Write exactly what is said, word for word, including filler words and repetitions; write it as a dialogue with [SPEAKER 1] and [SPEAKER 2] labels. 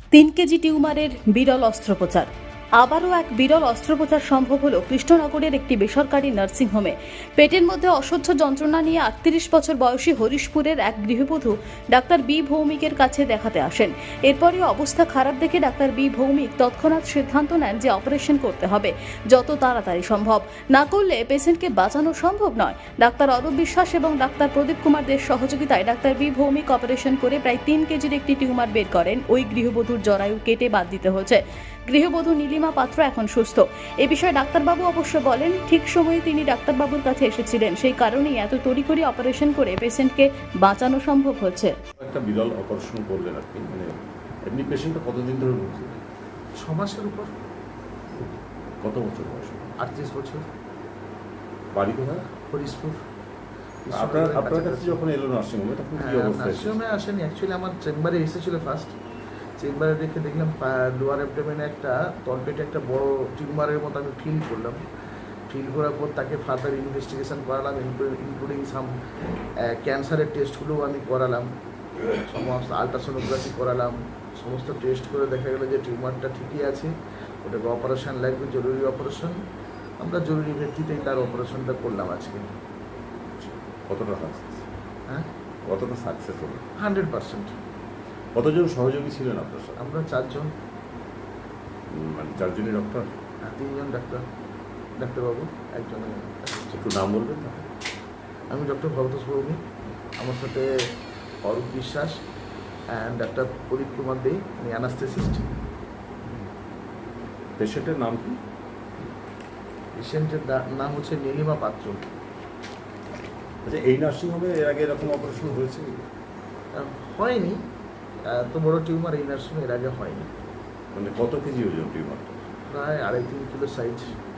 [SPEAKER 1] তিন কেজি টিউমারের বিরল অস্ত্রোপচার। আবারও এক বিরল অস্ত্রোপচার সম্ভব হলো কৃষ্ণনগরের একটি বেসরকারি নার্সিংহোমে। পেটের মধ্যে অসহ্য যন্ত্রণা নিয়ে আটত্রিশ বছর বয়সী হরিশপুরের এক গৃহবধূ ডাক্তার বি ভৌমিকের কাছে দেখাতে আসেন। এরপরই অবস্থা খারাপ দেখে ডাক্তার বি ভৌমিক তৎক্ষণাৎ সিদ্ধান্ত নেন যে অপারেশন করতে হবে, যত তাড়াতাড়ি সম্ভব। না করলে পেশেন্টকে বাঁচানো সম্ভব নয়। ডাক্তার অরূপ বিশ্বাস এবং ডাক্তার প্রদীপ কুমার দের সহযোগিতায় ডাক্তার বি ভৌমিক অপারেশন করে প্রায় তিন কেজির একটি টিউমার বের করেন। ওই গৃহবধূর জরায়ু কেটে বাদ দিতে হয়েছে। গৃহবধূ নীলিমা পাত্র এখন সুস্থ। এ বিষয়ে ডাক্তারবাবু অবশ্য বলেন, ঠিক সময়ে তিনি ডাক্তারবাবুর কাছে এসেছিলেন, সেই কারণেই এত তড়িঘড়ি অপারেশন করে পেশেন্টকে বাঁচানো সম্ভব হচ্ছে।
[SPEAKER 2] একটা বিরল অপারেশন করলেন আপনি, মানে এমনি পেশেন্টটা কতদিন ধরে ভুগছে?
[SPEAKER 3] ছ মাসের উপর।
[SPEAKER 2] কত বছর বয়স?
[SPEAKER 3] আটত্রিশ বছর।
[SPEAKER 2] বাড়ি কোথায়?
[SPEAKER 3] হরিশপুর।
[SPEAKER 2] আপনার আপনার কাছে যখন এলো নার্সিংহোমে তখন কি অবস্থা?
[SPEAKER 3] নার্সিংহোমে আসেনি, অ্যাকচুয়ালি আমার চেম্বারে এসেছিল ফার্স্ট। চেম্বারে দেখে দেখলাম লোয়ার অ্যাবডোমেনে একটা তলপেটে একটা বড় টিউমারের মতো আমি ফিল করলাম। ফিল করার পর তাকে ফার্দার ইনভেস্টিগেশন করালাম, ইনক্লুডিং সাম ক্যান্সারের টেস্টগুলোও আমি করালাম, সমস্ত আলট্রাসোনোগ্রাফি করালাম। সমস্ত টেস্ট করে দেখা গেলো যে টিউমারটা ঠিকই আছে, ওটাকে অপারেশন লাগবে, জরুরি অপারেশন। আমরা জরুরি ভিত্তিতেই তার অপারেশনটা করলাম আজকে।
[SPEAKER 2] কতটা সাকসেস?
[SPEAKER 3] হ্যাঁ,
[SPEAKER 2] কতটা সাকসেস হলো?
[SPEAKER 3] Hundred percent.
[SPEAKER 2] কতজন সহযোগী ছিলেন আপনার সাথে?
[SPEAKER 3] আমরা চারজন,
[SPEAKER 2] উম, মানে চারজনই ডক্টর?
[SPEAKER 3] আর তিনজন ডাক্তার, ডাক্তারবাবু, একজন।
[SPEAKER 2] একটু নাম বলবেন না?
[SPEAKER 3] আমি ডক্টর ভরতোষ ভৌমিক, আমার সাথে অরূপ বিশ্বাস অ্যান্ড ডাক্তার প্রদীপ কুমার দে, উনি অ্যানাস্থেসিস্ট।
[SPEAKER 2] পেশেন্টের নাম কি?
[SPEAKER 3] পেশেন্টের নাম হচ্ছে নীলিমা পাত্র।
[SPEAKER 2] আচ্ছা, এই নার্সিংহোমে এর আগে এরকম অপারেশন হয়েছে?
[SPEAKER 3] আহ, হয়নি, এত বড় টিউমার এই নার্সিং এর আগে হয়নি।
[SPEAKER 2] মানে কত কেজি ওজন টিউমারটা?
[SPEAKER 3] প্রায় আড়াই তিন কিলো সাইজ।